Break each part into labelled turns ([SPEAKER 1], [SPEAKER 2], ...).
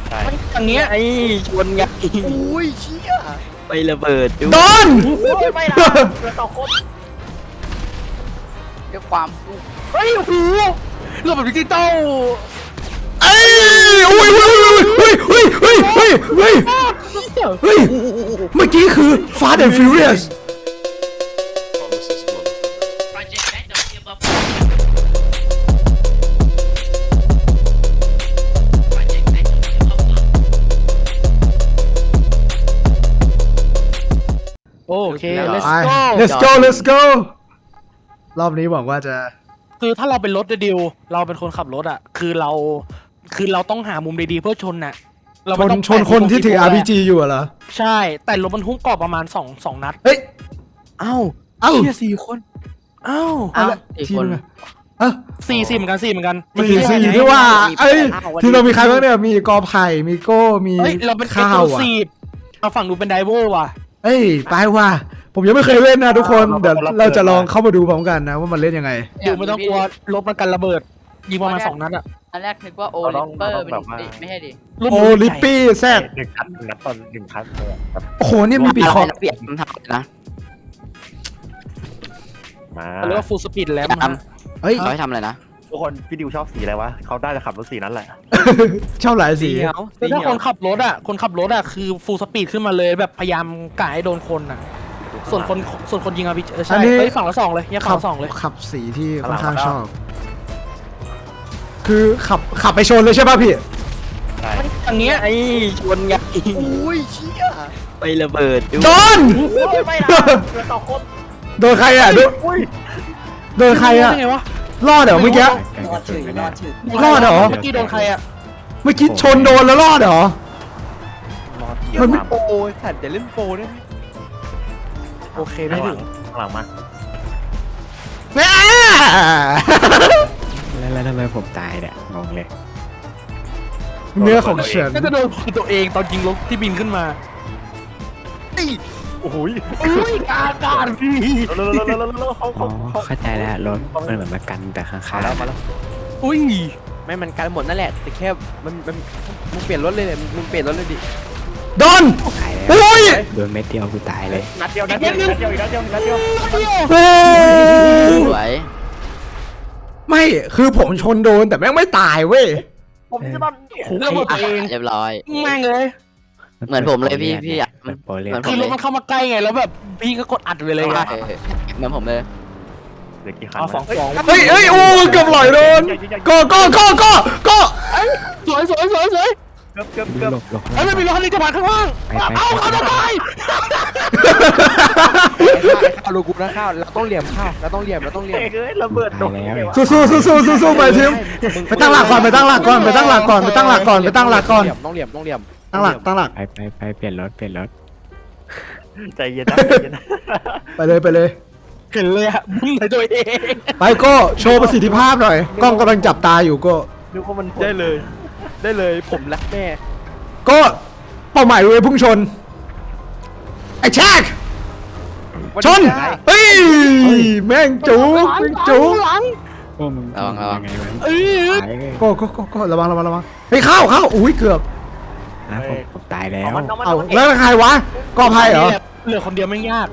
[SPEAKER 1] อย่างเงี้ยไอ้ชนไง
[SPEAKER 2] อุ้ยเชี่ย
[SPEAKER 1] ไประเบิด
[SPEAKER 3] โดน
[SPEAKER 2] ไม่ละเรือต่อคนด้วยความ
[SPEAKER 1] เฮ้ยโอ้โหเรื่องแบบดิจิตอล
[SPEAKER 3] เอ้ยอุ้ยเฮ้ยเฮ้ยเฮ้ยเฮ้ยเฮ้ยเฮ้ยเมื่อกี้คือ Fast and Furious
[SPEAKER 1] โอเค let's
[SPEAKER 3] ไป
[SPEAKER 1] go
[SPEAKER 3] let's go let's go รอบนี้หวังว่าจะ
[SPEAKER 1] คือถ้าเราเป็นรถดิวเราเป็นคนขับรถอ่ะคือเราต้องหามุมดีๆเพื่อชนน่ะเราไม่ต้อง
[SPEAKER 3] ชนคนที่ถือ RPG อยู่เหรอ
[SPEAKER 1] ใช่แต่รถบรรทุกกรอบประมาณสองนัด
[SPEAKER 3] เฮ้ย
[SPEAKER 1] เอ้า
[SPEAKER 3] เอ้า
[SPEAKER 1] เชี่ย4 คนเอ้า
[SPEAKER 3] เอาละทีมอะเอ้า
[SPEAKER 1] สี่เหมือนกันเหมือนกัน
[SPEAKER 3] สี่ด้วยว่าเอ้ยทีมเรามีใครบ้างเนี่ยมีกอไผ่มีโก้มี
[SPEAKER 1] เฮ้ยเราเป็น
[SPEAKER 3] ข้าว
[SPEAKER 1] ซี
[SPEAKER 3] อ่ะ
[SPEAKER 1] ดเอาฝั่งดูเป็นไดเวอร์ว่ะ
[SPEAKER 3] เอ้ยไปว่ะผมยังไม่เคยเล่นนะทุกคนเดี๋ยวเราจะลองเข้ามาดูพร้อมกันนะว่ามันเล่นยังไง
[SPEAKER 1] ดูไม่ต้องกลัวรถมันกันระเบิดยิงประมาณ2 นัดอ่ะ
[SPEAKER 2] อันแรกนึกว่าโอลิมเปอร์ไม่ใช่ดิ
[SPEAKER 3] โอลิปปี้แซด
[SPEAKER 4] 1 นัดตอน1 ครั้งเลย
[SPEAKER 3] โอ้โหนี่มีปีคอ
[SPEAKER 2] เปลี่ยนคำถามนะ
[SPEAKER 4] มา
[SPEAKER 1] เรียกว่าฟูลสปีดแล้ว
[SPEAKER 3] เฮ้ย
[SPEAKER 2] เขาให้ทำอะไรนะ
[SPEAKER 4] ทุกคนพี่ดิวชอบสีอะไรวะเขาได้จะขับรถสีนั้นแหละ
[SPEAKER 3] ชอบหลายสี
[SPEAKER 1] คือถ้าคนขับรถอ่ะคือฟูลสปีดขึ้นมาเลยแบบพยายามกะให้โดนคนอ่ะส่วนคนยิงอาร์พีใช่เฮ้ยฝั่งละ2เลยยังฝั่งละ2เลย
[SPEAKER 3] ขับสีที่ค่อนข้างชอบ คือขับไปชนเลยใช่ป่ะพี่
[SPEAKER 4] ใช่
[SPEAKER 1] อย่างเงี้ยไอ้ชนไง
[SPEAKER 2] อุ้ยเชี่ย
[SPEAKER 1] ไประเบิด
[SPEAKER 3] โดน
[SPEAKER 2] ไม่ละเรือต่อคน
[SPEAKER 3] โดนใครอ่ะโดนใครอ่ะ
[SPEAKER 1] ไงวะ
[SPEAKER 3] รอดเหรอเมื่อกี้
[SPEAKER 2] รอดถึง
[SPEAKER 3] รอดเหรอ
[SPEAKER 1] เมื่อกี้โดนใครอ่ะ
[SPEAKER 3] เมื่อกี้ชนโดนแล้วรอดเหรอ มันไม่
[SPEAKER 2] โอ้ยสัตว์จะเล่นโปรได้ไหม
[SPEAKER 1] โอเคไม่ถึง
[SPEAKER 4] ข้างหลังมา
[SPEAKER 3] แม่
[SPEAKER 5] แล้วทำไมผมตายเนี่ยงงเลย
[SPEAKER 3] เนื้อของฉัน
[SPEAKER 1] ก็จะโดนตัวเองตอนยิงรถที่บินขึ้นมา
[SPEAKER 4] โอ้โห
[SPEAKER 1] อุ้ยอากาศพี่
[SPEAKER 4] เร็วเขา
[SPEAKER 5] อ๋อเข้าใจแล้วรถมันเหมือนมากันแต่ข้าง
[SPEAKER 4] มาแล้ว
[SPEAKER 1] อุ้ย
[SPEAKER 2] ไม่มันกันหมดนั่นแหละแต่แค่มึงเปลี่ยนรถเลยเนี่ยมึงเปลี่ยนรถเลยดิ
[SPEAKER 3] โดน
[SPEAKER 5] ๆตายแล้ว
[SPEAKER 3] โอ้ย
[SPEAKER 5] โดนเม็ดเดียวกูตายเลย
[SPEAKER 4] นัดเดียวอีกนัดเดียว
[SPEAKER 3] โอ้ย
[SPEAKER 2] สวย
[SPEAKER 3] ไม่คือผมชนโดนแต่แม่งไม่ตายเว้ย
[SPEAKER 4] ผมจะมัน
[SPEAKER 1] ระเบิดตัวเอง
[SPEAKER 2] เรียบร้อย
[SPEAKER 1] แม่งเลย
[SPEAKER 2] เหมือนผมเลยพี่อ่ะ
[SPEAKER 5] เหมือนโปรเลีย
[SPEAKER 2] เหมือน
[SPEAKER 1] คือรถมันเข้ามาใกล้ไงแล้วแบบพี่ก็กดอัดไปเลยไง
[SPEAKER 2] เหมือนผมเลย
[SPEAKER 4] เหลือกี่คัน
[SPEAKER 1] เอา2
[SPEAKER 3] เฮ้ยโอ้เกือบหลอยโดนก็
[SPEAKER 1] สวย
[SPEAKER 4] เกือบ
[SPEAKER 5] หลบ
[SPEAKER 1] ไอ้ไม่มีรถคันนี้จะผ่านข้างล่างเอาเขาจะตาย
[SPEAKER 6] ข้าวลูกกูนะข้าวเราต้องเหลี่ยมข้าวเราต้องเหลี่ยม
[SPEAKER 4] เฮ้ยระเบิด
[SPEAKER 5] ตายแล้ว
[SPEAKER 3] สู้ไปทีมไปตั้งหลักก่อนตั้งหลักก่อนตั้งหลักก่อน
[SPEAKER 6] ต้องเหลี่ยม
[SPEAKER 3] ตั้งหลัก
[SPEAKER 5] ไปเปลี่ยนรถ
[SPEAKER 4] ใจเย็นนะ
[SPEAKER 3] ไปเลย
[SPEAKER 1] เห็นเลยอะมึงในตัวเอง
[SPEAKER 3] ไปก็โชว์ประสิทธิภาพหน่อยกล้องกำลังจับตาอยู่ก็
[SPEAKER 4] นึกว่ามัน
[SPEAKER 6] ได้เลยผมรักแม่
[SPEAKER 3] ก็เป้าหมายเลยพุ่งชนไอ้แชกชนเฮ้ยแม่งจู
[SPEAKER 1] หลัง
[SPEAKER 5] พวกมึงยังไงวะ
[SPEAKER 1] เอ้ย
[SPEAKER 5] ตายเลย
[SPEAKER 3] ก็ระวังเฮ้ยเข้าอุ้ยเกือบ
[SPEAKER 5] นะผมตายแล้ว
[SPEAKER 3] เอาแล้วใครวะกอไผ่เหรอ
[SPEAKER 1] เหลือคนเดียวไม่ยาก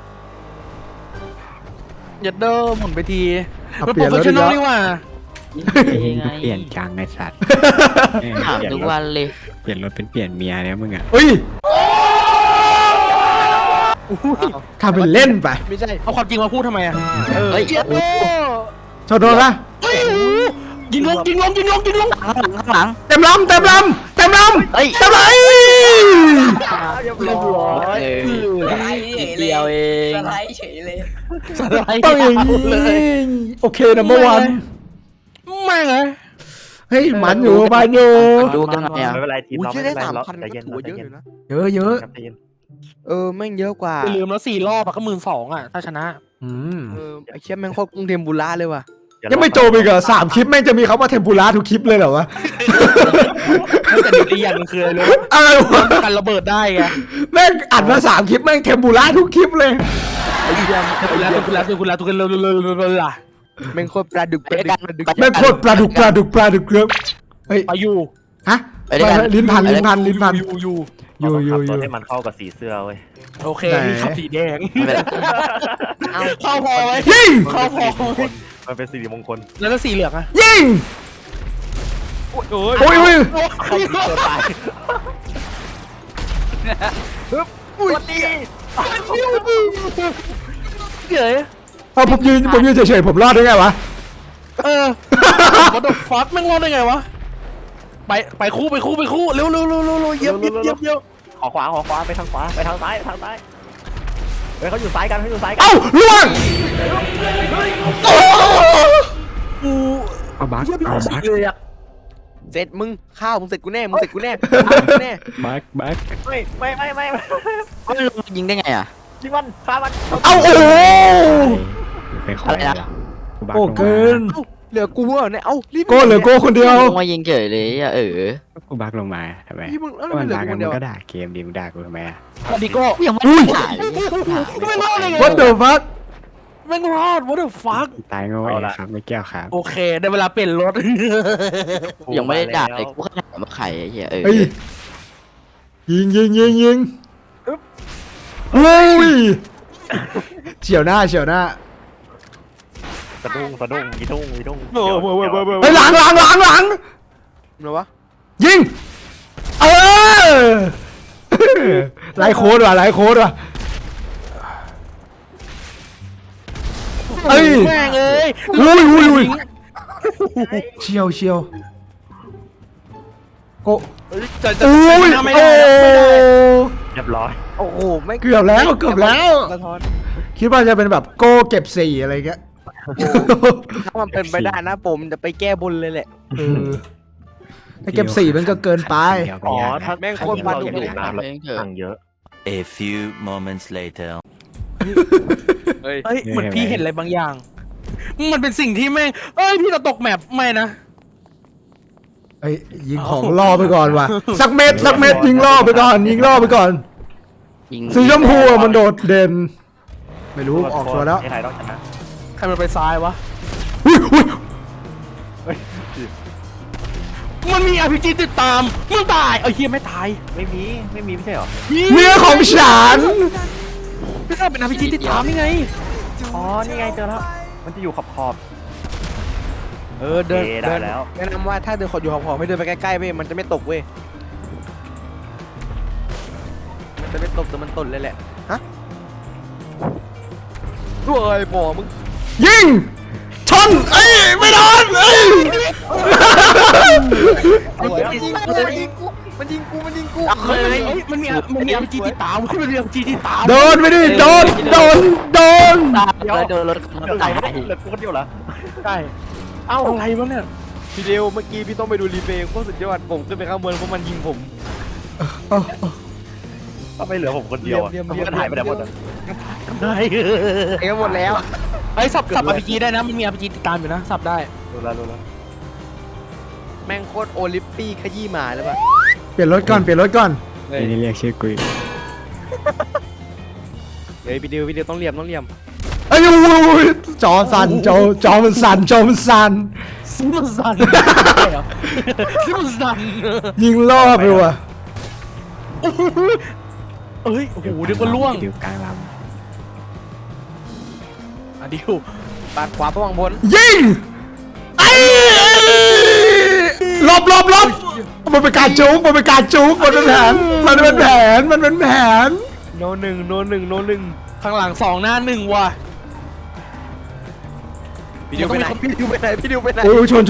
[SPEAKER 1] อย่าเดิมหมุนไปทีเป็นโปรเฟชชั่นอลนี่ว่า
[SPEAKER 5] เปลี่ยนจังไอ้สัตว์
[SPEAKER 2] ถามทุกวันเลย
[SPEAKER 5] เปลี่ยนรถเป็นเปลี่ยนเมียเนี่ยมึงอ่ะ
[SPEAKER 3] เฮ้ยทำเป็นเล่นไป
[SPEAKER 6] ไม่ใช่
[SPEAKER 1] เอาความจริงมาพูดทำไมอะ
[SPEAKER 2] เฮ้ย
[SPEAKER 3] ชนโดนละ
[SPEAKER 1] ยิงลง
[SPEAKER 2] ข้างหลัง
[SPEAKER 3] เต็มลำ
[SPEAKER 2] เฮ้ย
[SPEAKER 3] เต็มเลย
[SPEAKER 1] เรียบร้อย
[SPEAKER 2] เดียวเอง
[SPEAKER 1] สไลด์
[SPEAKER 3] ต้องอย่างนี้โอเคนะเมื่อวาน
[SPEAKER 1] แม่งเลย
[SPEAKER 3] เฮ้ยมันอยู่บ้านอยู่
[SPEAKER 2] ดูกันหน่อยอ่ะ
[SPEAKER 4] ไม่เป็นไรทีม
[SPEAKER 6] อุ้ย
[SPEAKER 4] เรา
[SPEAKER 6] เชื่
[SPEAKER 4] ไม่
[SPEAKER 6] อ
[SPEAKER 4] เป็
[SPEAKER 6] ได้
[SPEAKER 4] นไรเรา
[SPEAKER 6] 3,000
[SPEAKER 4] ใจ
[SPEAKER 6] ก็
[SPEAKER 4] เย็น
[SPEAKER 6] ถือว่าเยอะอยู่นะ
[SPEAKER 3] เยอะ
[SPEAKER 4] ใจเย็น
[SPEAKER 6] แม่งเยอะกว่า
[SPEAKER 1] อย่าลืมแล้ว4 รอบอะก็12,000อะถ้าชนะ
[SPEAKER 6] ไอ้เชี่ยแม่งโคตรกรุงเทมบุระเลยว่ะ
[SPEAKER 3] ยังไม่โจมอีกเหรอ3 คลิปแม่งจะมีเขามาเทมปุระทุกคลิปเลยเหรอวะ
[SPEAKER 1] แต่เดี๋ยวอีกอย่างนึงคืออะไรรู้
[SPEAKER 3] อะไรวะ
[SPEAKER 1] กันระเบิดได้ไง
[SPEAKER 3] แม่งอัดมา3 คลิปแม่งเทมปุระทุกคลิปเลย
[SPEAKER 1] คุณแล้วล่ะ
[SPEAKER 6] แม่งโคตรปลาดุกปลาดุก
[SPEAKER 3] แม่งโคตรปลาดุกเกลือเฮ้ย
[SPEAKER 1] ไปอยู่
[SPEAKER 3] ฮะ
[SPEAKER 2] ไปด้วยกัน
[SPEAKER 3] ลิ้นพันลิ้นพันลิ้นพัน
[SPEAKER 1] อยู่
[SPEAKER 3] อยู่
[SPEAKER 4] เรา
[SPEAKER 3] อ
[SPEAKER 4] ต้
[SPEAKER 3] ยู่
[SPEAKER 4] องขับรถ
[SPEAKER 3] อยู่
[SPEAKER 4] ให้มันเข้ากับสีเสื้อเว้ย
[SPEAKER 1] โอเค
[SPEAKER 3] ไหน
[SPEAKER 1] นี่ขับสีแดง
[SPEAKER 2] ไม่เป็นไร
[SPEAKER 1] เข้าพอไหม
[SPEAKER 3] ยิง
[SPEAKER 1] เข้าพอไหม
[SPEAKER 4] มันเป็นสิริมงคล
[SPEAKER 1] แล้วก็สีเหลืองอะ
[SPEAKER 3] ยิง
[SPEAKER 1] โอ้ย
[SPEAKER 3] โอ้ยโอ้ย
[SPEAKER 4] เข้าตัวตาย
[SPEAKER 1] เก๋
[SPEAKER 3] เอาผมยืนเฉยๆผมรอดได้ไงวะ
[SPEAKER 1] what the fuck แม่งรอดได้ไงวะไปคู่เร็วเยี่ยม
[SPEAKER 4] ขอขวาไปทางขวาไปทางซ้ายเฮ้ยเขาอยู่ซ้ายกัน
[SPEAKER 3] เอ้าล่วงโอ้
[SPEAKER 1] กู
[SPEAKER 5] เอาบัก
[SPEAKER 1] เยี่ยม
[SPEAKER 5] เอาบัก
[SPEAKER 1] เลยอะ
[SPEAKER 6] เสร็จมึงข้าวมึงเสร็จกูแน่แน่
[SPEAKER 5] บัก
[SPEAKER 4] ไม่
[SPEAKER 2] ยิงได้ไงอ่ะ
[SPEAKER 4] ยิงมันฆ่ามัน
[SPEAKER 3] เอ้าโอ้โห
[SPEAKER 5] เป็นขอ
[SPEAKER 2] อะ
[SPEAKER 5] ง
[SPEAKER 2] ไรนะ
[SPEAKER 5] บัก
[SPEAKER 3] โอ้เกิน
[SPEAKER 6] เหลือกูเหรอเนี่ยเอ้ารีบ
[SPEAKER 3] โก้เหลือโก้คนเดียว
[SPEAKER 2] ลงมายิงเฉยเลยอ่ะ
[SPEAKER 5] กูบักลงมาทำไม
[SPEAKER 6] พี่มึงแล้ว
[SPEAKER 5] ก็
[SPEAKER 6] มั
[SPEAKER 5] มัน น
[SPEAKER 6] เหลือ
[SPEAKER 5] ด่า
[SPEAKER 6] กู
[SPEAKER 5] กั
[SPEAKER 6] คน นเดียว
[SPEAKER 5] ก็ด่าเกมดีมึงด่ากูทำไมอ่ะ
[SPEAKER 1] ดิโก้
[SPEAKER 2] ยังไม่ได้ถ่ายเลย
[SPEAKER 1] ไม่รอดได้ไง
[SPEAKER 3] What the fuck
[SPEAKER 1] แม่งรอด what the fuck
[SPEAKER 5] ตายโง่เองครับไม่เกี่ยวครับ
[SPEAKER 1] โอเคได้เวลาเปลี่ยนรถ
[SPEAKER 2] ยังไม่ได้ด่าเลยกูแค่ถามว่าใครไอ้เหี้ย
[SPEAKER 3] เฮ้ยยิงโอ้ยเฉียวหน้า
[SPEAKER 4] สะดุ้งยีดุ้ง
[SPEAKER 3] เฮ้ยหลัง
[SPEAKER 6] เหรอวะ
[SPEAKER 3] ยิงเออไล่โค้ดว่ะเอ้ย
[SPEAKER 1] แม่งเอ้ย
[SPEAKER 3] อุ้ยเชียวโก
[SPEAKER 1] จะ
[SPEAKER 3] อุ้ย
[SPEAKER 1] ไม่
[SPEAKER 3] โอ้
[SPEAKER 1] ได้ไม่ได้
[SPEAKER 4] เรียบร้อย
[SPEAKER 6] โอ้โหไม่
[SPEAKER 3] เกือบแล้ว
[SPEAKER 6] สะท้อน
[SPEAKER 3] คิดว่าจะเป็นแบบโก้เก็บสี่อะไรเงี้ย
[SPEAKER 6] ถ้ามันเป็นไปได้นะผมจะไปแก้บนเลยแหละ
[SPEAKER 3] เออถ้าเก็บสี่มันก็เกินไป
[SPEAKER 4] อ๋อถ้า
[SPEAKER 6] แม่งโคตรมัน
[SPEAKER 4] เรา
[SPEAKER 6] ดุ
[SPEAKER 4] อยาก
[SPEAKER 6] เลย
[SPEAKER 4] เล่นน้ำแล้วสั่งเยอะ
[SPEAKER 7] A few moments later.
[SPEAKER 6] เฮ้ย
[SPEAKER 1] เฮ้ยเหมือนพี่เห็นอะไรบางอย่าง มันเป็นสิ่งที่แม่งเอ้ยพี่จะตกแมปไม่นะ
[SPEAKER 3] เอ้ยยิงของล่อไปก่อนว่ะสักเม็ดยิงล่อไปก่อนสีชมพูอะมันโดดเด่น ไม่รู้ออกตัวแล้ว
[SPEAKER 4] ไทยต้องชนะ
[SPEAKER 1] ใครมันไปซ้ายวะ
[SPEAKER 3] อุ้ย
[SPEAKER 1] มันมี RPG ติดตามมึงตายเฮียไม่ตาย
[SPEAKER 4] ไม่มีไม่ใช่หรอ
[SPEAKER 3] เมียของฉัน
[SPEAKER 1] ไม่ใช่เป็น RPG ติดตามนี่ไง
[SPEAKER 4] อ๋อนี่ไงเจอแล้วมันจะอยู่ขอบ
[SPEAKER 6] เดิน
[SPEAKER 4] ได้แล้ว
[SPEAKER 6] แนะนำว่าถ้าเดินขออยู่ขอบๆไม่เดินไปใกล้ๆเว้ยมันจะไม่ตกเว้ยมันจะไม่ตกแต่มันตดเลยแหละฮะด้วยบ่มึง
[SPEAKER 3] ยิงชนเอ้ยไม่โดนเอ้ย
[SPEAKER 6] มันยิงกู
[SPEAKER 1] เฮ้ยมันมี RPG ติดตามมันมี RPG ติดตาม
[SPEAKER 3] โดนไปดิโดน
[SPEAKER 2] แล้วโดนรถ
[SPEAKER 4] เดี๋ยว
[SPEAKER 2] ตาย
[SPEAKER 4] เหลือกูคนเดียวเหรอ
[SPEAKER 1] ใช่เอ้าอะไรวะเนี่ย
[SPEAKER 6] พี่เดียวเมื่อกี้พี่ต้องไปดูรีเพลย์โคตรสุดยอดผมขึ้นไปข้างบนเพราะมันยิงผม
[SPEAKER 4] ก็ไม่เหลือผมคนเดียวอ่ะมันก็ถ่ายไปไหนหมดอ่ะ
[SPEAKER 1] ได้
[SPEAKER 6] เองหมดแล้ว
[SPEAKER 1] ไอ้สับ RPG ได้นะมันมี RPG ติดตามอยู่นะสับได้
[SPEAKER 4] รู้แล้ว
[SPEAKER 6] แม่งโคตรโอลิมปีขยี้หมาเลยป่ะ
[SPEAKER 3] เปลี่ยนรถก่อน
[SPEAKER 5] นี่เรียกชื่อกู
[SPEAKER 6] เฮ้ยพี่เดียวต้องเหลี่ยม
[SPEAKER 3] เอ้ยอุ้ยจอสั่นจอมันสั่น
[SPEAKER 1] ซิมสันใช่เหรอซิมสัน
[SPEAKER 3] ยิงล่อไปว่ะ
[SPEAKER 1] เอ้ยโอ้โหเดี๋ยวก็ล่วง
[SPEAKER 5] ดิวกลางล
[SPEAKER 1] อ่ะดิว
[SPEAKER 6] ปาดขวาระวังบน
[SPEAKER 3] ยิงไอ้หลบมันเป็นการจุกมันเป็นแผนมันเป็นแผน
[SPEAKER 6] โนหนึ่ง
[SPEAKER 1] ข้างหลัง2หน้า1ว่ะ
[SPEAKER 6] พี่เดียวไปไหน
[SPEAKER 3] โอ้ยชน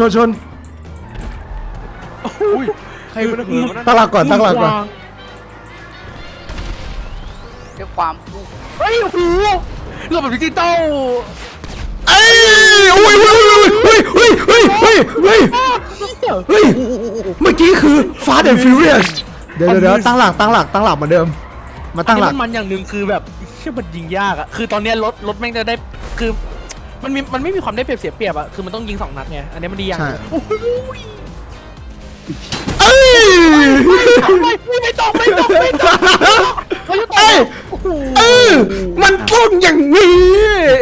[SPEAKER 6] อุ้ยใครมันเหินมัน
[SPEAKER 3] ตั้งหลักก่อน
[SPEAKER 6] เรียกความ
[SPEAKER 1] เฮ้ยโอ้โหระบบดิจิตอล
[SPEAKER 3] เอ้ยอุ้ยเมื่อกี้คือ Fast and Furious เดี๋ยวตั้งหลักเหมือนเดิมมาตั้งหลัก
[SPEAKER 1] มันอย่างหนึ่งคือแบบเชื่อมันยิงยากอะคือตอนเนี้ยรถแม่งจะได้คือมันไม่มีความได้เปรียบเสียเปรียบอะคือมันต้องยิง2 นัดไงอันนี้มันดีอย่างหนึ่งโอ้โห
[SPEAKER 3] เอ้ย
[SPEAKER 1] ไม่ต้อง
[SPEAKER 3] มันต้องอย่างนี้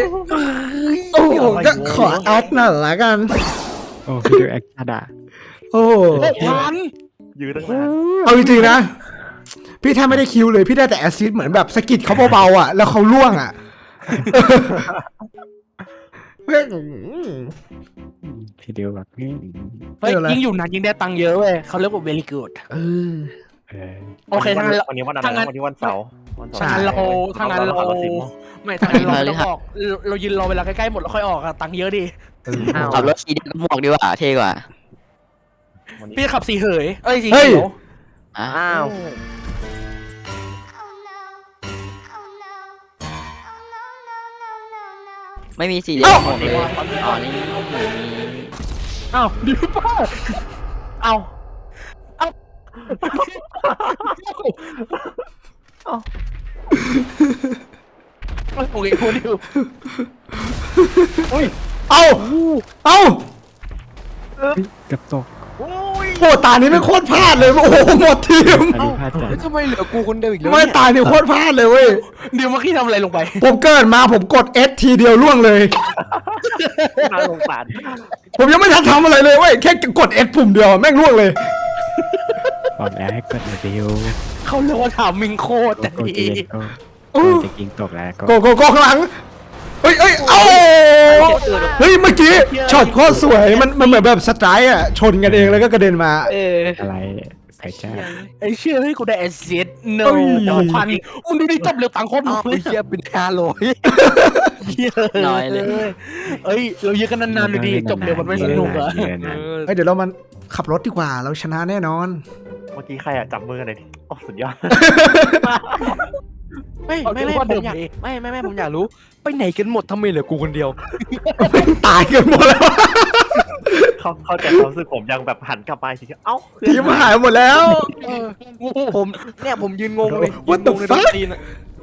[SPEAKER 3] โอ้โหก็ขอแอคหน่อยละกัน
[SPEAKER 5] ำโอ้พี่ดูแอคชั่นอ่ะ
[SPEAKER 3] โอ้
[SPEAKER 1] พัน
[SPEAKER 4] ยืนตั้งนาน
[SPEAKER 3] เอาจริงๆนะ พี่แทบไม่ได้คิวเลย พี่ได้แต่แอสซิสต์เหมือนแบบสะกิดเขาเบาๆอ่ะ แล้วเขาล่วงอ่ะแม่ง
[SPEAKER 5] พี่ดิวแบบนี้
[SPEAKER 1] เฮ้ย
[SPEAKER 3] เอออะไร
[SPEAKER 1] ยิ่งอยู่นานยิ่งได้ตังค์เยอะเว้ยเขาเรียกว่า very good
[SPEAKER 3] เออ
[SPEAKER 5] เออ
[SPEAKER 1] โอเคทางนั้น
[SPEAKER 4] วันนี้วันอะไรนะวันนี้วันเสาร์วันเสาร์
[SPEAKER 3] ใช่
[SPEAKER 1] ทางนั้นเรา
[SPEAKER 4] เราสิบโมง
[SPEAKER 1] ไม่ทางนั้นเราต้องออกเรายืนรอเวลาใกล้ๆหมดแล้วค่อยออกอะตังค์เยอะดิ
[SPEAKER 2] ขับรถสีแดงหมวกดีกว่าเท่กว่า
[SPEAKER 1] พี่จะขับสีเหยเอ้ยสี
[SPEAKER 3] เฮ้ย
[SPEAKER 1] เขียว
[SPEAKER 2] อ้าว ไม่มีสีแดงหมวกเลยอ๋อนี่
[SPEAKER 1] อ้าวดิป้าเอาเอาโอเคคุณดิว
[SPEAKER 3] เอาเอา
[SPEAKER 5] เกับตก
[SPEAKER 3] โอ้ตานี้ไม่โคตรพลาดเลย โอ้โหหมดทีม
[SPEAKER 5] อันนี้พลาดจัด
[SPEAKER 2] ทำไมเหลือกูคนเดียวอีกแล้ว
[SPEAKER 3] ไม่ตานี่โคตรพลาดเลยเว้ย
[SPEAKER 1] เดี๋ยวเมื่อกี้ทำอะไรลงไป
[SPEAKER 3] ผมเกิดมาผมกด S ทีเดียวล่วงเลย
[SPEAKER 4] น่าสงสาร
[SPEAKER 3] ผมยังไม่ทันทำอะไรเลยเว้ย แค่กด S ปุ่มเดียวแม่งล่วงเลย
[SPEAKER 5] บอกแล้วให้กดมาดิว
[SPEAKER 1] เขาเรียกว่าถามมิงโคตรแต่
[SPEAKER 5] โก
[SPEAKER 1] ดี
[SPEAKER 5] จีโก้จะยิงตกแล้วก็
[SPEAKER 3] โกข้างหลัง เฮ้ยเอ้าเฮ้ย เมื่อกี้ช็อตโคตรสวย มันเหมือนแบบสไตร์อ่ะ ชนกันเองแล้วก็กระเด็นมา
[SPEAKER 5] อะไรใส่จ้า
[SPEAKER 1] ไอ้เชื่อให้กูได้แอสเซทโน
[SPEAKER 3] เอ้ย
[SPEAKER 1] พันมึงดูดิจบเร็วตังค์โคตรหมดเลย
[SPEAKER 2] เชียเป็น500 น้อยเลย
[SPEAKER 1] เอ้ยเราเยอะกันนานๆดูดิจบเร็วมันไม่สนุกเหรอ
[SPEAKER 3] เฮ้ยเดี๋ยวเรามันขับรถดีกว่า เราชนะแน่นอน
[SPEAKER 4] เมื่อกี้ใครอะจับมือกันเลยดิโอ้สุดยอด
[SPEAKER 2] ไม่ผมอยากรู้ไปไหนกันหมดทำไมเหลือกูคนเดียว
[SPEAKER 3] ตายกันหมดแล้ว
[SPEAKER 4] เข้าใจความรู้สึกผมยังแบบหันกลับไปทีเอ้า
[SPEAKER 3] ทีมหายหมดแล้ว
[SPEAKER 2] ผมเนี่ยผมยืนงงเลย
[SPEAKER 3] What the
[SPEAKER 2] ยืนงงเลย
[SPEAKER 3] fuck?
[SPEAKER 2] โดนตีนอะ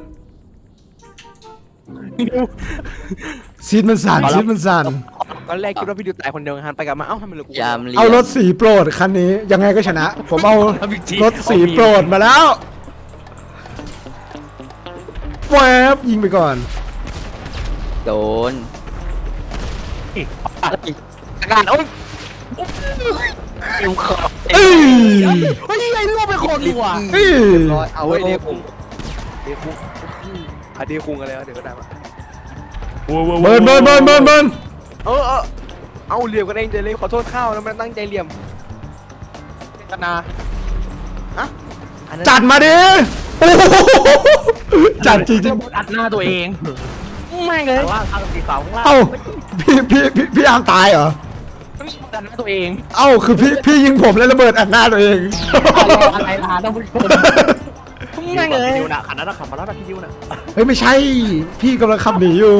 [SPEAKER 3] ซีดมันสั่นซีดมันสั่น
[SPEAKER 2] ตอนแรกคิดว่าพี่ดิวตายคนเดียวหันไปกลับมาเอ้าทำไมเหลือกูคนเดียว
[SPEAKER 3] เอารถสีโปรดคันนี้ยังไงก็ชนะ ผมเอารถสีโปรดมาแล้วแวบยิงไปก่อน
[SPEAKER 2] โดนอาการโอ้ยขอบ
[SPEAKER 3] เอ้ย
[SPEAKER 1] เฮ้ยไอ้ลูกเป็นคนดีกว่า
[SPEAKER 3] เอ้ย
[SPEAKER 2] ร้อยเอาไว้เดคุงอะเดคุงอะไรวะเดี๋ยวก็ได้มา
[SPEAKER 3] เบิร์น
[SPEAKER 2] เอาเหลี่ยมกันเองเจเลยขอโทษข้าวแล้วมันตั้งใจเหลี่ยม
[SPEAKER 1] กันนา
[SPEAKER 2] อันนั้น
[SPEAKER 3] จัดมาดิโอ้โหจัดจริง
[SPEAKER 1] อัดหน้าตัวเองไม่เลย
[SPEAKER 4] ข้างล่างข้างสีขาวข้างล่าง
[SPEAKER 3] ๆเอ้าพี่อาร์มตายเหรอ
[SPEAKER 1] อัดหน้าตัวเอง
[SPEAKER 3] เอ้าคือพี่ยิงผมแล้วระเบิดอัดหน้าตัวเอง
[SPEAKER 1] อะไรล่ะต้องผู้ชมไม่เลย
[SPEAKER 4] ดิวนะขันนั้นขับมาแล้วนะพี่ดิวนะ
[SPEAKER 3] เฮ้ยไม่ใช่ พี่กำลังขับหนีอยู่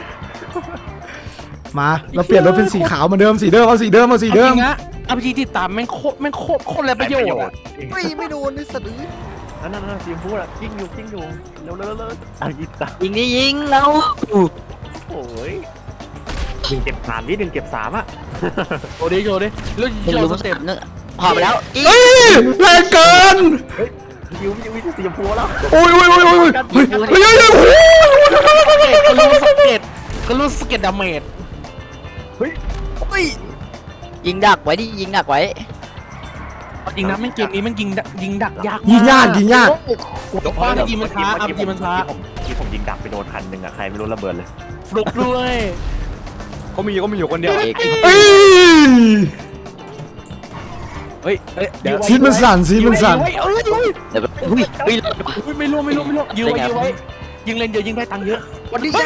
[SPEAKER 3] มาเราเปลี่ยนรถเป็นสีขาวเหมือนเดิมสีเดิมเอาสีเดิม
[SPEAKER 1] จริงนะอาพีจีติดตามแม่งโคตรเลยประโยชน์
[SPEAKER 2] ไม่โดนนี่สะดือ
[SPEAKER 4] นั่นทีมพูดอะกิ้งอยู่เร็วยิงตา
[SPEAKER 2] ยิงนี่ยิงแล้ว
[SPEAKER 4] โอ้ยดึงเก็บ3นิดดึงเก็บ3อะ
[SPEAKER 1] โชว์ดิแล้วเราสเต็ป
[SPEAKER 2] พอไปแล้ว
[SPEAKER 3] เฮ้ยแรงเกิน
[SPEAKER 4] ดิวสีชมพูแล้ว
[SPEAKER 3] โอ้ยเฮ้ย
[SPEAKER 1] ก็รู้สเก็ตดาเมจ
[SPEAKER 2] ยิงดักไว้ดิยิงดักไว้
[SPEAKER 1] จริงนะแม่งเกมนี้มันยิงดักยาก
[SPEAKER 3] ยิงยาก
[SPEAKER 1] บ้านยิงมันช้ายิงมันช้า
[SPEAKER 4] ที่ผมยิงดักไปโดนคันหนึ่งอะใครไม่รู้ระเบิดเลย
[SPEAKER 1] ฟลุกด้วย
[SPEAKER 2] เขามีอยู่คนเดียวเอก
[SPEAKER 3] เอ้ย
[SPEAKER 2] เฮ้ยเดี๋ยว
[SPEAKER 3] ซีดมันสั่น
[SPEAKER 1] เดี๋ยว
[SPEAKER 2] เดี๋ยวอุ้ย
[SPEAKER 1] ไม่รู้ยื้อไว้ยิงเล่นเยอะยิงได้ตังค์เยอะ
[SPEAKER 2] วันนี้จ้า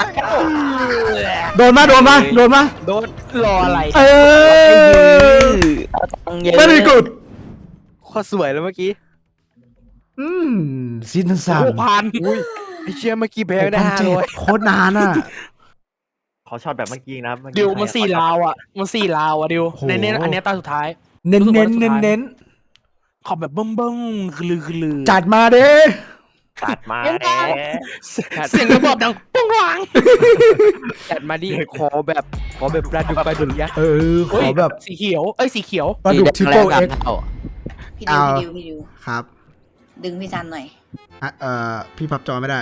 [SPEAKER 3] โดนมา
[SPEAKER 2] โดน
[SPEAKER 1] รออะไร
[SPEAKER 3] เออไม่ได้กด
[SPEAKER 2] ข้อสวยแล้วเมื่อกี้
[SPEAKER 3] ซีดมันสั่น
[SPEAKER 1] 6,000
[SPEAKER 2] อุ้ยไอเชี่ยเมื่อกี้แพ้ได้500
[SPEAKER 3] โคตรนานอ่ะ
[SPEAKER 4] เขาช็อตแบบเมื่อกี้นะ
[SPEAKER 1] ดิวมัน4 ลาวอ่ะดิวในเน้นอันนี้ตาสุดท้าย
[SPEAKER 3] เน้น
[SPEAKER 1] ขอบแบบเบิ้มคือลือ
[SPEAKER 3] จัดมาเด้
[SPEAKER 4] ตัดมา
[SPEAKER 1] เสียงระเบิดดังปุ้งวัง
[SPEAKER 2] จัดมาดิขอแบบปลาดุกยักษ์
[SPEAKER 3] ขอแบบ
[SPEAKER 1] สีเขียวสีเขียว
[SPEAKER 3] ปลาดุกทริปเปิลเอ็ก
[SPEAKER 8] พี่
[SPEAKER 3] เอา
[SPEAKER 8] ดิว
[SPEAKER 3] ครับ
[SPEAKER 8] ดึงพี่ซันหน่อย
[SPEAKER 3] พี่พับจอไม่ได้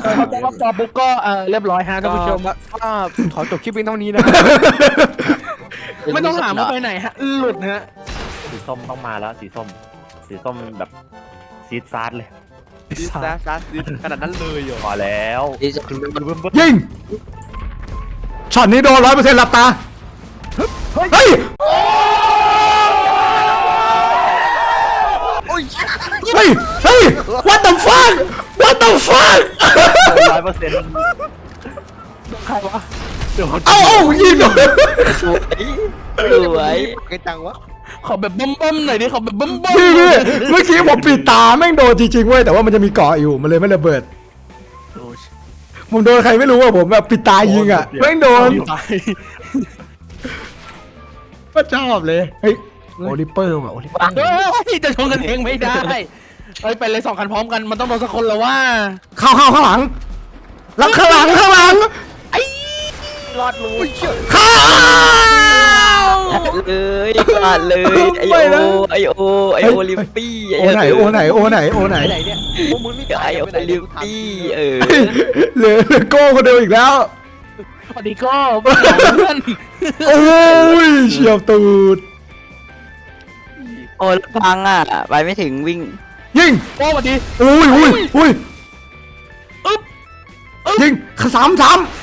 [SPEAKER 1] จอบุ๊กก็เรียบร้อยฮะท่านผู้ชม
[SPEAKER 2] ก็ขอจบคลิปเพียงเท่านี้นะ
[SPEAKER 1] ไม่ต้องถามว่าไปไหนฮะหลุดฮะ
[SPEAKER 4] สีส้มต้องมาแล้วสีส้มแบบซีดซาร์ดเลย
[SPEAKER 6] ดิสนะซัสดิสขนาดนั้นเลยเหรอ
[SPEAKER 4] พอแล้วคือเบิ่ม
[SPEAKER 3] ยิงช็อตนี้โดน100%หลับตาเฮ้ยเฮ้ย what the fuck
[SPEAKER 1] ใครวะ
[SPEAKER 3] เอายิงโดน
[SPEAKER 2] สวย
[SPEAKER 6] ไกจังวะ
[SPEAKER 1] ขอแบบบ้มๆหน่อยดิขอแบบบ้ม
[SPEAKER 3] พี่เมื่อกี้ผมปิดตาแม่งโดนจริงๆเว้ยแต่ว่ามันจะมีเกาะอยู่มันเลยไม่ระเบิดผมโดนใครไม่รู้ว่าผมแบบปิดตายิงอ่ะแม่งโดน
[SPEAKER 1] ตาย
[SPEAKER 3] ก็ชอบเลยเฮ้ยโอลิเปอร์ว่ะโอลิเปอร์
[SPEAKER 1] เฮ้ยจะชนกันเองไม่ได้เฮ้ยไปเลย2 คันพร้อมกันมันต้องโดนสักคนแล้วว่า
[SPEAKER 3] เข้าข้างหลังแล้วข้างหลัง
[SPEAKER 4] รอดรู้
[SPEAKER 3] เข้า
[SPEAKER 2] เลยพลาดเลยไอโอลิมปี้
[SPEAKER 3] โอไหน
[SPEAKER 6] ไหนเนี่ยพวกมึงนี่
[SPEAKER 2] ไอโอลิมปี้
[SPEAKER 3] เหลือโก้คนเดียวอีกแล้ว
[SPEAKER 1] สวัสดีก็เพื่อน
[SPEAKER 3] โอ้ยเฉียวตูด
[SPEAKER 2] โอ้พังอ่ะไปไม่ถึงวิ่ง
[SPEAKER 3] ยิง
[SPEAKER 1] โอ้สวัสดี
[SPEAKER 3] อุ้ย
[SPEAKER 1] อึ๊บ
[SPEAKER 3] ยิงสาม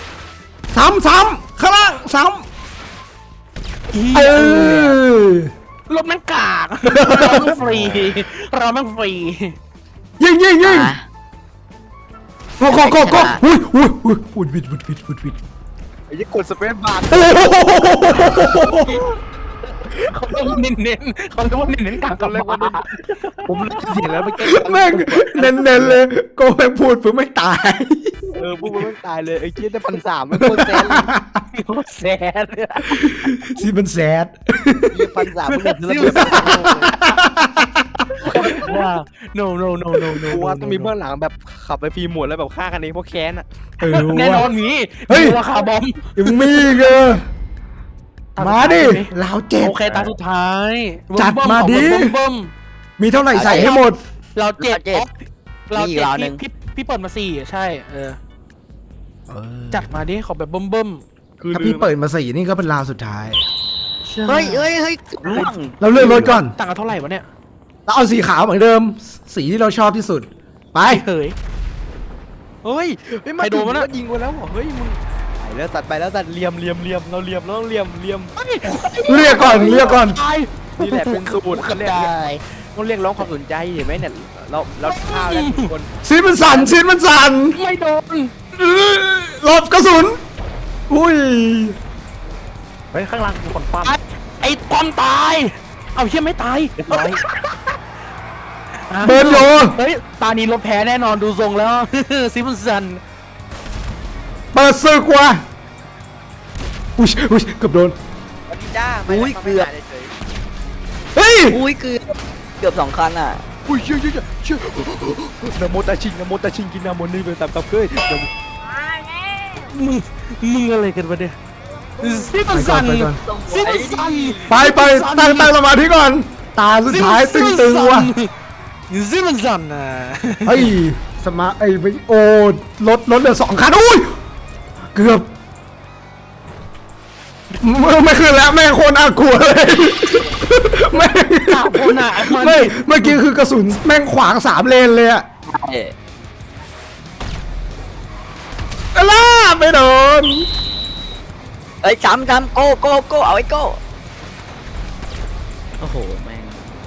[SPEAKER 3] ข้างล่าง
[SPEAKER 1] รถแม่งกากเราแม่งฟรี
[SPEAKER 3] ยิงก็อุ้ยวิด
[SPEAKER 6] ไอ้ยี่กดสเปซบาร์
[SPEAKER 1] เขาเรียกว่าเน้นกากกับมา
[SPEAKER 6] ผมเสียงแล้วไปเก่ง
[SPEAKER 3] แม่งเน้นเลยโก้แม่งพูดเพื่อไม่ตาย
[SPEAKER 6] พวกมึงไม่ตายเลยไอ้เจี๊ยได้1,300ไม่โคตรแซน
[SPEAKER 1] โคตรแซด
[SPEAKER 3] ซีมันแซด
[SPEAKER 6] 1,300มึงเดือด
[SPEAKER 1] ว่า no
[SPEAKER 6] กูว่าต้องมีเบื้องหลังแบบขับไปฟรีหมดแล้วแบบฆ่ากันเองเพราะแค้นอ่ะ
[SPEAKER 1] แน่นอนมีว่าคาร์บอม
[SPEAKER 3] ยังมีเกอมาดิลาวเจ็ด
[SPEAKER 1] โอเคตาสุดท้าย
[SPEAKER 3] จัดมาดิ
[SPEAKER 1] เบิ่ม
[SPEAKER 3] มีเท่าไหร่ใส่ให้หมด
[SPEAKER 1] เราเจ็ด
[SPEAKER 2] มีอีกราวหนึ่ง
[SPEAKER 1] พี่เปิดมา4ใช่จัดมาดิขอแบบเบิ่ม
[SPEAKER 3] ถ้าพี่เปิดมา4นี่ก็เป็นราวสุดท้าย
[SPEAKER 2] เฮ้ยล่วง
[SPEAKER 3] เราเลือกรถก่อน
[SPEAKER 1] ต่างกันเท่าไหร่วะเนี่ย
[SPEAKER 3] เราเอาสีขาวเหมือนเดิม สีที่เราชอบที่สุดไป
[SPEAKER 1] เฮ้ย
[SPEAKER 6] เฮ้ยมาโดนมันยิงกูแล้วเฮ้ยมึงไปแล้วตัดเหลี่ยมเราเหลี่ยมเราต้องเหลี่ยม
[SPEAKER 3] เรียกก่อน
[SPEAKER 6] นี่แหละเป็นสูตรเขาเรียกร้องความสนใจเห็นไหมเนี่ยเราฆ่าแล้วทุกคน
[SPEAKER 3] ซีนมันสั่น
[SPEAKER 1] ไม่โดน
[SPEAKER 3] หลบกระสุนอุ้ย
[SPEAKER 4] เฮ้ยข้างล่างกูคนคว่ำ
[SPEAKER 1] ไอ้ความตายเอาเชี่ยไม่ตาย
[SPEAKER 4] เรียบร้อย
[SPEAKER 3] เบิร์นโย
[SPEAKER 1] เฮ้ยตานี้รถแพ้แน่นอนดูทรงแล้ว ซิมสัน
[SPEAKER 3] เปิดศึกว่ะอุ้ยเกือบโดน
[SPEAKER 6] วันนี้จ้า
[SPEAKER 2] เกือบ
[SPEAKER 3] เฮ้ย
[SPEAKER 2] เกือบ2 คันอ่ะ
[SPEAKER 6] อุ้ยเชื่อนะโมตาชิงกินนาโมนี่ไปตับเกย
[SPEAKER 1] มึงอะไรกันวะเนี่ยซิมสัน
[SPEAKER 3] ไปตั้งสมาธิก่อน ตาสุดท้ายตึงว่ะ
[SPEAKER 1] ซิมสันนะ
[SPEAKER 3] เฮ้ยโอ้รถเหลือ2 คันอุ้ยเกือบไม่ขึ้นแล้วแม่งโคตรน่ากลัวเลยแม่ง
[SPEAKER 1] สาวคนอ่ะ
[SPEAKER 3] ไม่เมื่อกี้คือกระสุนแม่งขวาง3 เลนเลยอะล่าไม่โดน
[SPEAKER 2] เอ้ยซ้ำโก้เอาไอ้โก้โอ้โหแม่ง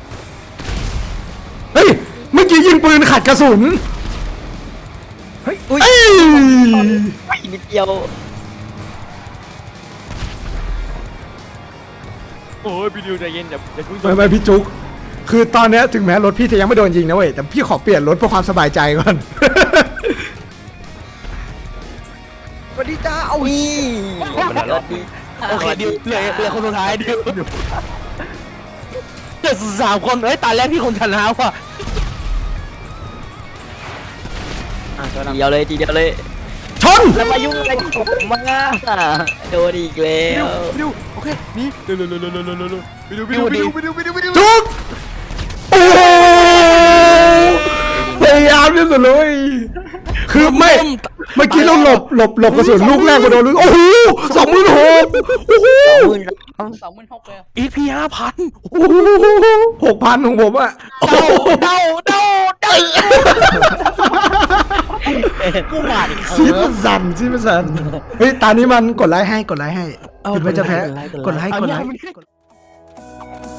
[SPEAKER 3] เฮ้ยเมื่อกี้ยิงปืนขัดกระสุนเฮ้ย
[SPEAKER 2] นิดเดียว
[SPEAKER 6] โอ้ยพี่ดิวใจเย็นอย่าเพิ่ง
[SPEAKER 3] ไม่พี่จุกคือตอนเนี้ยถึงแม้รถพี่จะยังไม่โดนยิงนะเว้ยแต่พี่ขอเปลี่ยนรถเพื่อความสบายใจก่อน
[SPEAKER 6] วันนี้จ้าเอา
[SPEAKER 2] นี่
[SPEAKER 1] โอเคดิวเหลือคนสุดท้ายดิวเด็ก3 คนเอ้ยตาแรกที่คนชนะว่ะ
[SPEAKER 2] ทีเดียวเลย
[SPEAKER 3] ชน
[SPEAKER 2] แล้วมายุ่งอะไรกับผมมาโดนอีกแล้ว
[SPEAKER 6] พี่ดิวโอเคนี่เร็วพี่ดิว
[SPEAKER 3] จุกโอ้พยายามที่สุดเลยคือไม่เมื่อกี้เราหลบกระสุนลูกแรกมาโดนลูกโอ้โห26,000โอ้โห
[SPEAKER 8] 26,000เลย
[SPEAKER 1] EP 5,000
[SPEAKER 3] โอ้โห6,000ของผมอะ
[SPEAKER 1] เดา
[SPEAKER 4] กูมาดิ
[SPEAKER 3] ซีมันสั่นเฮ้ยตานี้มันกดไลค์ให้คิดว่าจะแพ้กดไลค์